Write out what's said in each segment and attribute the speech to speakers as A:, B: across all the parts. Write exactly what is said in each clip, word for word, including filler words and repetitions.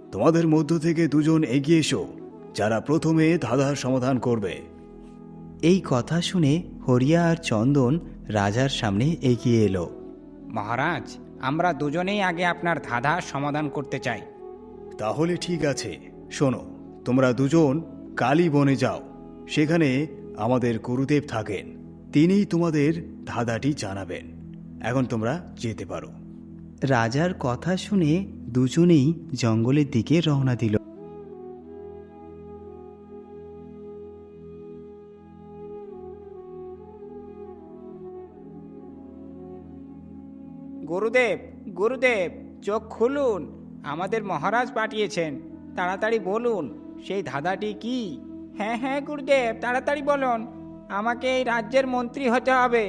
A: তোমাদের মধ্য থেকে দুজন এগিয়ে এসো, যারা প্রথমে ধাঁধার সমাধান করবে।
B: এই কথা শুনে হরিয়া আর চন্দন রাজার সামনে এগিয়ে এলো।
C: মহারাজ, আমরা দুজনেই আগে আপনার ধাঁধা সমাধান করতে চাই।
A: তাহলে ঠিক আছে, শোনো, তোমরা দুজন কালী বনে যাও। সেখানে আমাদের গুরুদেব থাকেন, তিনিই তোমাদের ধাঁধাটি জানাবেন। এখন তোমরা যেতে পারো।
B: রাজার কথা শুনে দুজনেই জঙ্গলের দিকে রওনা দিল।
C: গুরুদেব, গুরুদেব, চোখ খুলুন, আমাদের মহারাজ পাঠিয়েছেন। তাড়াতাড়ি বলুন, সেই ধাঁধাটি কি? হ্যাঁ হ্যাঁ গুরুদেব, তাড়াতাড়ি বলুন, আমাকে এই রাজ্যের মন্ত্রী হতে হবে।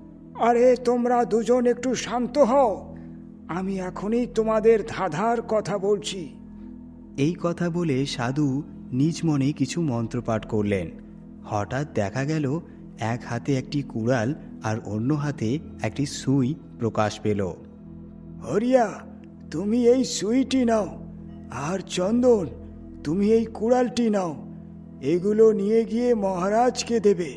D: আরে তোমরা দুজন একটু শান্ত হও, আমি এখনই তোমাদের ধাঁধার কথা বলছি।
B: এই কথা বলে সাধু নিজ মনে কিছু মন্ত্রপাঠ করলেন। হঠাৎ দেখা গেল এক হাতে একটি কুড়াল আর অন্য হাতে একটি সুই প্রকাশ পেল।
D: হরিয়া, তুমি এই সুইটি নাও, আর চন্দন, তুমি এই কুড়ালটি নাও। এগুলো নিয়ে গিয়ে মহারাজকে দেবে।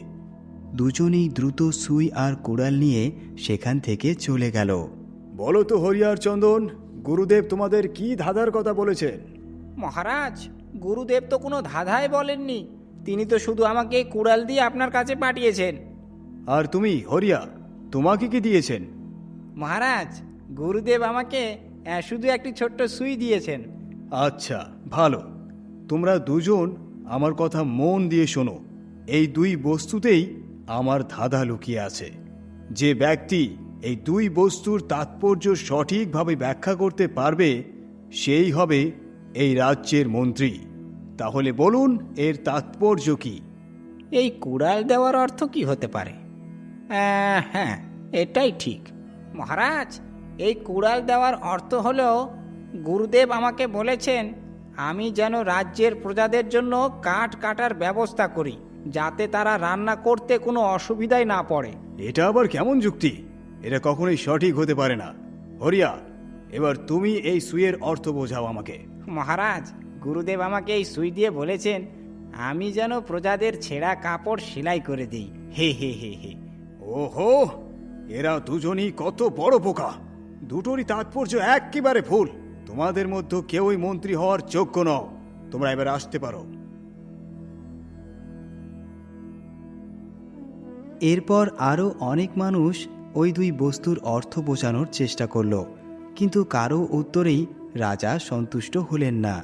B: দুজনেই দ্রুত সুই আর কুড়াল নিয়ে সেখান থেকে চলে গেল।
A: বলো তো হরিয়ার চন্দন, গুরুদেব তোমাদের কি ধাঁধার কথা বলেছেন?
C: মহারাজ, গুরুদেব তো কোনো ধাঁধাই বলেননি, তিনি তো শুধু আমাকে এই কুড়াল দিয়ে আপনার কাছে পাঠিয়েছেন।
A: আর তুমি হরিয়া, তোমাকে কি দিয়েছেন?
C: মহারাজ, গুরুদেব আমাকে আহ, শুধু একটি ছোট্ট সুই দিয়েছেন।
A: আচ্ছা, ভালো। তোমরা দুজন আমার কথা মন দিয়ে শোনো। এই দুই বস্তুতেই আমার ধাঁধা লুকিয়ে আছে। যে ব্যক্তি এই দুই বস্তুর তাৎপর্য সঠিকভাবে ব্যাখ্যা করতে পারবে, সেই হবে এই রাজ্যের মন্ত্রী। তাহলে বলুন, এর তাৎপর্য কি?
C: এই কুড়াল দেওয়ার অর্থ কি হতে পারে? আহ, হ্যাঁ, এটাই ঠিক। মহারাজ, এই কুড়াল দেওয়ার অর্থ হলো গুরুদেব আমাকে বলেছেন আমি যেন রাজ্যের প্রজাদের জন্য কাঠ কাটার ব্যবস্থা করি, যাতে তারা রান্না করতে কোনো অসুবিধাই না পড়ে।
A: এটা আবার কেমন যুক্তি? এটা কখনোই সঠিক হতে পারে না। হরিয়া, এবার তুমি এই সুইয়ের অর্থ বোঝাও আমাকে।
C: মহারাজ, গুরুদেব আমাকে এই সুই দিয়ে বলেছেন আমি যেন প্রজাদের ছেঁড়া কাপড় সেলাই করে দিই। হে হে হে হে।
A: ওহো, এরা দুজনই কত বড় বোকা! দুটোরই তাৎপর্য একেবারে ভুল। তোমাদের মধ্যে কেউই মন্ত্রী হওয়ার যোগ্য নও। তোমরা এবার আসতে পারো।
B: এরপর আরও অনেক মানুষ ওই দুই বস্তুর অর্থ বোঝানোর চেষ্টা করল, কিন্তু কারো উত্তরেই রাজা সন্তুষ্ট হলেন না।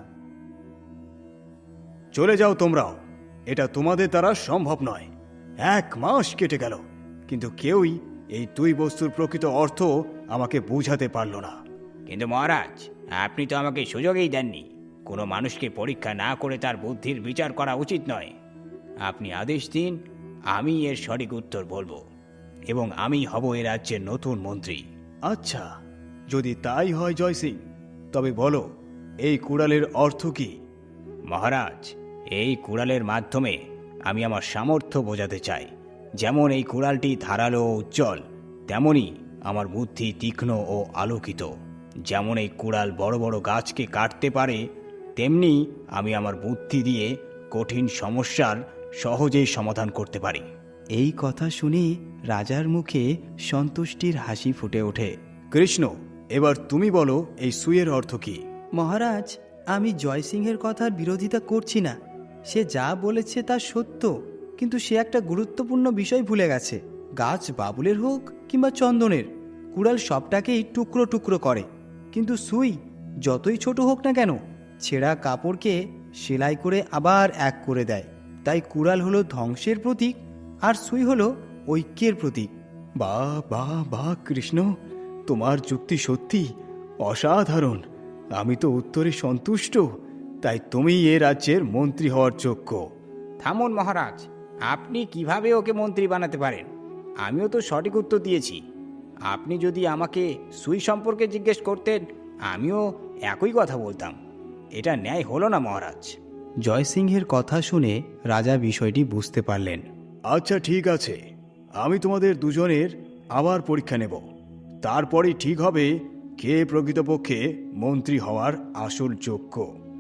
A: চলে যাও তোমরাও, এটা তোমাদের দ্বারা সম্ভব নয়। এক মাস কেটে গেল, কিন্তু কেউই এই দুই বস্তুর প্রকৃত অর্থ আমাকে বুঝাতে পারল না।
C: কিন্তু মহারাজ, আপনি তো আমাকে সুযোগই দেননি। কোনো মানুষকে পরীক্ষা না করে তার বুদ্ধির বিচার করা উচিত নয়। আপনি আদেশ দিন, আমি এর সঠিক উত্তর বলবো, এবং আমি হব এ রাজ্যের নতুন মন্ত্রী।
A: আচ্ছা, যদি তাই হয় জয় সিং, তবে বলো এই কুড়ালের অর্থ কি?
C: মহারাজ, এই কুড়ালের মাধ্যমে আমি আমার সামর্থ্য বোঝাতে চাই। যেমন এই কুড়ালটি ধারালো ও উজ্জ্বল, তেমনি আমার বুদ্ধি তীক্ষ্ণ ও আলোকিত। যেমন এই কুড়াল বড় বড় গাছকে কাটতে পারে, তেমনি আমি আমার বুদ্ধি দিয়ে কঠিন সমস্যার সহজেই সমাধান করতে পারি।
B: এই কথা শুনে রাজার মুখে সন্তুষ্টির হাসি ফুটে ওঠে।
A: কৃষ্ণ, এবার তুমি বলো এই সুইয়ের অর্থ কি?
B: মহারাজ, আমি জয়সিংহের কথার বিরোধিতা করছি না। সে যা বলেছে তা সত্য, কিন্তু সে একটা গুরুত্বপূর্ণ বিষয় ভুলে গেছে। গাছ বাবুলের হোক কিংবা চন্দনের, কুড়াল সবটাকেই টুকরো টুকরো করে, কিন্তু সুই যতই ছোট হোক না কেন, ছেঁড়া কাপড়কে সেলাই করে আবার এক করে দেয়। তাই কুড়াল হলো ধ্বংসের প্রতীক, আর সুই হলো ঐক্যের প্রতীক।
A: বাহ বাহ বাহ কৃষ্ণ, তোমার যুক্তি সত্যি অসাধারণ। আমি তো উত্তরে সন্তুষ্ট, তাই তুমি এ রাজ্যের মন্ত্রী হওয়ার যোগ্য।
C: থামুন মহারাজ, আপনি কিভাবে ওকে মন্ত্রী বানাতে পারেন? আমিও তো সঠিক উত্তর দিয়েছি। আপনি যদি আমাকে সুই সম্পর্কে জিজ্ঞেস করতেন, আমিও একই কথা বলতাম। এটা ন্যায় হলো না মহারাজ।
B: জয়সিংহের কথা শুনে রাজা বিষয়টি বুঝতে পারলেন।
A: আচ্ছা ঠিক আছে, আমি তোমাদের দুজনের আবার পরীক্ষা নেব। তারপরেই ঠিক হবে কে প্রকৃতপক্ষে মন্ত্রী হওয়ার আসল যোগ্য।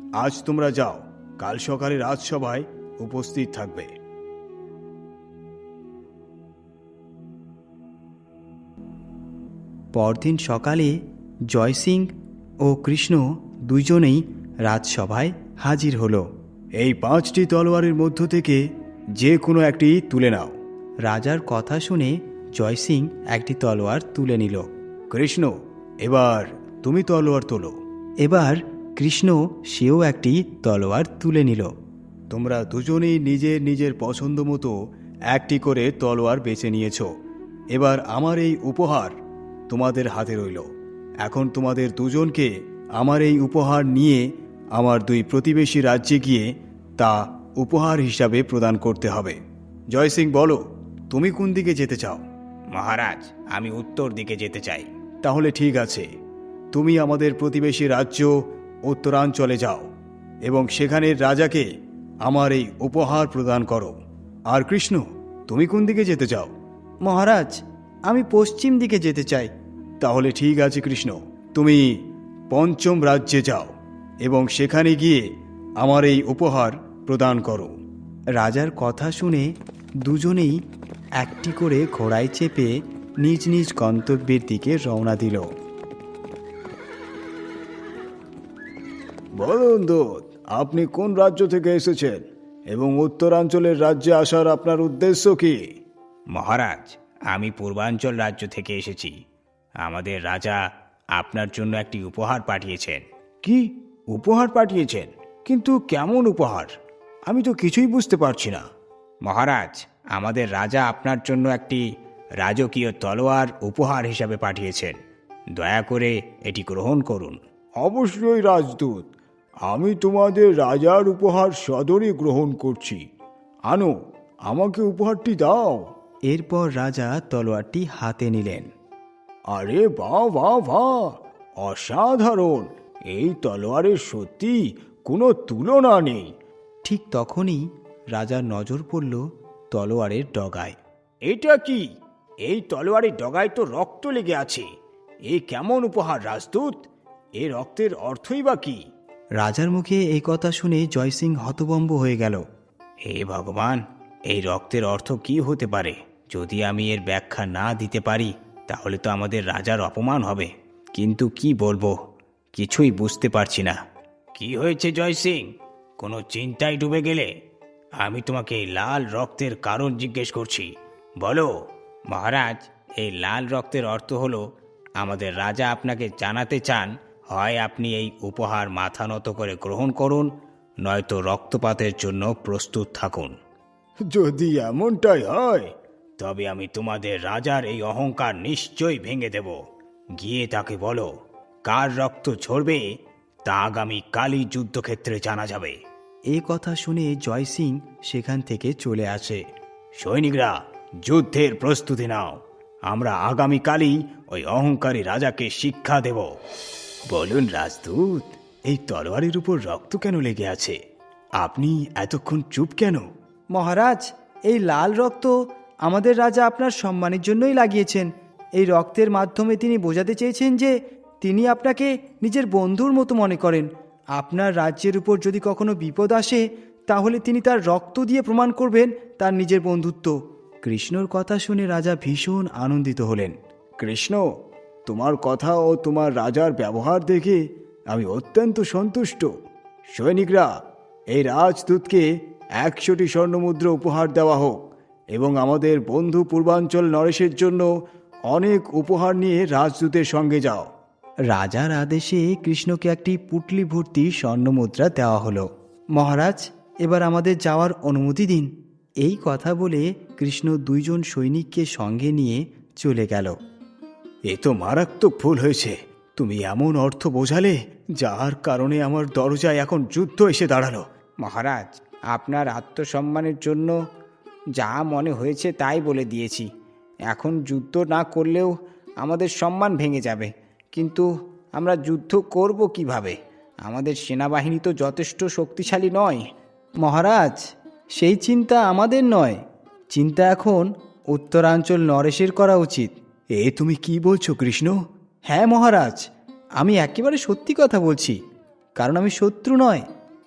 A: আজ তোমরা যাও, কাল সকালে রাজসভায় উপস্থিত থাকবে।
B: পরদিন সকালে জয়সিং ও কৃষ্ণ দুইজনেই রাজসভায় হাজির হলো।
A: এই পাঁচটি তলোয়ারের মধ্য থেকে যে কোনো একটি তুলে নাও।
B: রাজার কথা শুনে জয়সিং একটি তলোয়ার তুলে নিল।
A: কৃষ্ণ, এবার তুমি তলোয়ার তোলো।
B: এবার কৃষ্ণ সেও একটি তলোয়ার তুলে নিল।
A: তোমরা দুজনেই নিজের নিজের পছন্দ মতো একটি করে তলোয়ার বেছে নিয়েছ। এবার আমার এই উপহার তোমাদের হাতে রইল। এখন তোমাদের দুজনকে আমার এই উপহার নিয়ে আমার দুই প্রতিবেশী রাজ্যে গিয়ে তা উপহার হিসাবে প্রদান করতে হবে। জয়সিং, বলো তুমি কোন দিকে যেতে চাও?
C: মহারাজ, আমি উত্তর দিকে যেতে চাই।
A: তাহলে ঠিক আছে, তুমি আমাদের প্রতিবেশী রাজ্য উত্তরাঞ্চলে যাও এবং সেখানের রাজাকে আমার এই উপহার প্রদান করো। আর কৃষ্ণ, তুমি কোন দিকে যেতে চাও?
B: মহারাজ, আমি পশ্চিম দিকে যেতে চাই।
A: তাহলে ঠিক আছে কৃষ্ণ, তুমি পঞ্চম রাজ্যে যাও এবং সেখানে গিয়ে আমার এই উপহার প্রদান করো।
B: রাজার কথা শুনে দুজনেই একটি করে ঘোড়ায় চেপে নিজ নিজ গন্তব্যের দিকে রওনা দিল।
A: বলুন দূত, আপনি কোন রাজ্য থেকে এসেছেন এবং উত্তরাঞ্চলের রাজ্যে আসার আপনার উদ্দেশ্য কি?
C: মহারাজ, আমি পূর্বাঞ্চল রাজ্য থেকে এসেছি। আমাদের রাজা আপনার জন্য একটি উপহার পাঠিয়েছেন।
A: কি উপহার পাঠিয়েছেন? কিন্তু কেমন উপহার? আমি তো কিছুই বুঝতে পারছি না।
C: মহারাজ, আমাদের রাজা আপনার জন্য একটি রাজকীয় তলোয়ার উপহার হিসাবে পাঠিয়েছেন। দয়া করে এটি গ্রহণ করুন।
A: অবশ্যই রাজদূত, আমি তোমাদের রাজার উপহার সদরে গ্রহণ করছি। আনো, আমাকে উপহারটি দাও।
B: এরপর রাজা তলোয়ারটি হাতে নিলেন।
A: আরে বাহ বাহ বাহ, অসাধারণ! এই তলোয়ারের সত্যি কোনো তুলনা নেই।
B: ঠিক তখনই রাজার নজর পড়ল তলোয়ারের ডগায়।
C: এটা কি? এই তলোয়ারের ডগায় তো রক্ত লেগে আছে। এই কেমন উপহার রাজদূত? এই রক্তের অর্থই বা কি?
B: রাজার মুখে এই কথা শুনে জয়সিং হতভম্ব হয়ে গেল।
C: হে ভগবান, এই রক্তের অর্থ কি হতে পারে? যদি আমি এর ব্যাখ্যা না দিতে পারি তাহলে তো আমাদের রাজার অপমান হবে। কিন্তু কি বলবো, কিছুই বুঝতে পারছি না। কি হয়েছে জয় সিং? কোনো চিন্তায় ডুবে গেলে? আমি তোমাকে এই লাল রক্তের কারণ জিজ্ঞেস করছি, বলো। মহারাজ, এই লাল রক্তের অর্থ হলো আমাদের রাজা আপনাকে জানাতে চান, হয় আপনি এই উপহার মাথা নত করে গ্রহণ করুন, নয়তো রক্তপাতের জন্য প্রস্তুত থাকুন।
A: যদি এমনটাই হয়
C: তবে আমি তোমাদের রাজার এই অহংকার নিশ্চয়ই ভেঙে দেব। গিয়ে তাকে বলো, কার রক্ত ঝরবে তা আগামী কালই যুদ্ধক্ষেত্রে জানা যাবে।
B: এই কথা শুনে জয়সিং সেখান থেকে চলে আসে।
C: সৈনিকরা, যুদ্ধের প্রস্তুতি নাও। আমরা আগামীকালই ওই অহংকারী রাজাকে শিক্ষা দেব।
A: বলুন রাজদূত, এই তলোয়ারের উপর রক্ত কেন লেগে আছে? আপনি এতক্ষণ চুপ কেন?
B: মহারাজ, এই লাল রক্ত আমাদের রাজা আপনার সম্মানের জন্যই লাগিয়েছেন। এই রক্তের মাধ্যমে তিনি বোঝাতে চেয়েছেন যে তিনি আপনাকে নিজের বন্ধুর মতো মনে করেন। আপনার রাজ্যের উপর যদি কখনো বিপদ আসে তাহলে তিনি তার রক্ত দিয়ে প্রমাণ করবেন তার নিজের বন্ধুত্ব। কৃষ্ণর কথা শুনে রাজা ভীষণ আনন্দিত হলেন।
A: কৃষ্ণ, তোমার কথা ও তোমার রাজার ব্যবহার দেখে আমি অত্যন্ত সন্তুষ্ট। সৈনিকরা, এই রাজদূতকে একশোটি স্বর্ণমুদ্রা উপহার দেওয়া হোক এবং আমাদের বন্ধু পূর্বাঞ্চল নরেশের জন্য অনেক উপহার নিয়ে রাজদূতের সঙ্গে যাও।
B: রাজার আদেশে কৃষ্ণকে একটি পুটলি ভর্তি স্বর্ণমুদ্রা দেওয়া হলো। মহারাজ, এবার আমাদের যাওয়ার অনুমতি দিন। এই কথা বলে কৃষ্ণ দুইজন সৈনিককে সঙ্গে নিয়ে চলে গেল।
A: এ তো মারাত্মক ভুল হয়েছে। তুমি এমন অর্থ বোঝালে যার কারণে আমার দরজায় এখন যুদ্ধ এসে দাঁড়ালো।
C: মহারাজ, আপনার আত্মসম্মানের জন্য যা মনে হয়েছে তাই বলে দিয়েছি। এখন যুদ্ধ না করলেও আমাদের সম্মান ভেঙে যাবে। কিন্তু আমরা যুদ্ধ করব কিভাবে? আমাদের সেনাবাহিনী তো যথেষ্ট শক্তিশালী নয়।
B: মহারাজ, সেই চিন্তা আমাদের নয়। চিন্তা এখন উত্তরাঞ্চল নরেশের করা উচিত।
A: এ তুমি কি বলছো কৃষ্ণ?
B: হ্যাঁ মহারাজ, আমি একেবারে সত্যি কথা বলছি। কারণ আমি শত্রু নয়,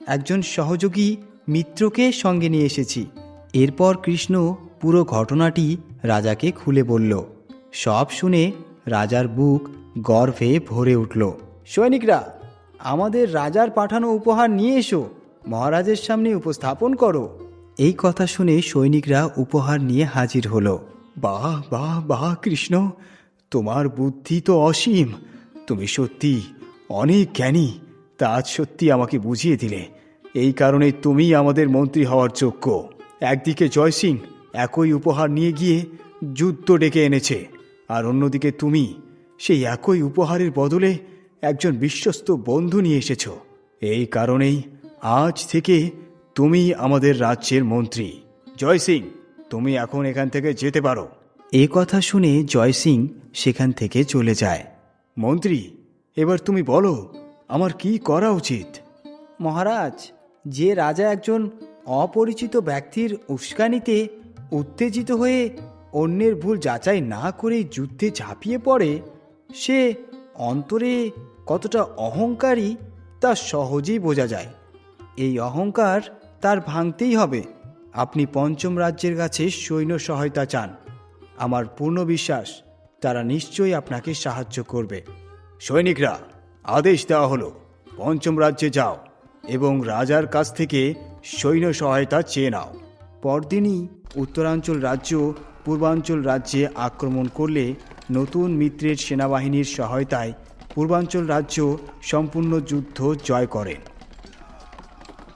B: একজন সহযোগী মিত্রকে সঙ্গে নিয়ে এসেছি। এরপর কৃষ্ণ পুরো ঘটনাটি রাজাকে খুলে বলল। সব শুনে রাজার বুক গর্বে ভরে উঠল। সৈনিকরা, আমাদের রাজার পাঠানো উপহার নিয়ে এসো, মহারাজের সামনে উপস্থাপন করো। এই কথা শুনে সৈনিকরা উপহার নিয়ে হাজির হলো।
A: বাহ বাহ বাহ কৃষ্ণ, তোমার বুদ্ধি তো অসীম। তুমি সত্যি অনেক জ্ঞানী, তা আজ সত্যি আমাকে বুঝিয়ে দিলে। এই কারণে তুমি আমাদের মন্ত্রী হওয়ার যোগ্য। একদিকে জয় সিং একই উপহার নিয়ে গিয়ে যুদ্ধ ডেকে এনেছে, আর অন্যদিকে তুমি সেই একই উপহারের বদলে একজন বিশ্বস্ত বন্ধু নিয়ে এসেছ। এই কারণেই আজ থেকে তুমি আমাদের রাজ্যের মন্ত্রী। জয় সিং, তুমি এখন এখান থেকে যেতে পারো।
B: এ কথা শুনে জয় সিং সেখান থেকে চলে যায়।
A: মন্ত্রী, এবার তুমি বলো আমার কি করা উচিত?
B: মহারাজ, যে রাজা একজন অপরিচিত ব্যক্তির উস্কানিতে উত্তেজিত হয়ে অন্যের ভুল যাচাই না করে যুদ্ধে ঝাঁপিয়ে পড়ে, সে অন্তরে কতটা অহংকারী তা সহজেই বোঝা যায়। এই অহংকার তার ভাঙতেই হবে। আপনি পঞ্চম রাজ্যের কাছে সৈন্য সহায়তা চান। আমার পূর্ণ বিশ্বাস তারা নিশ্চয়ই আপনাকে সাহায্য করবে।
A: সৈনিকরা, আদেশ দেওয়া হলো, পঞ্চম রাজ্যে যাও এবং রাজার কাছ থেকে সৈন্য সহায়তা চেয়ে নাও।
B: পরদিনই উত্তরাঞ্চল রাজ্য পূর্বাঞ্চল রাজ্যে আক্রমণ করলে নতুন মিত্রের সেনাবাহিনীর সহায়তায় পূর্বাঞ্চল রাজ্য সম্পূর্ণ যুদ্ধ জয় করেন।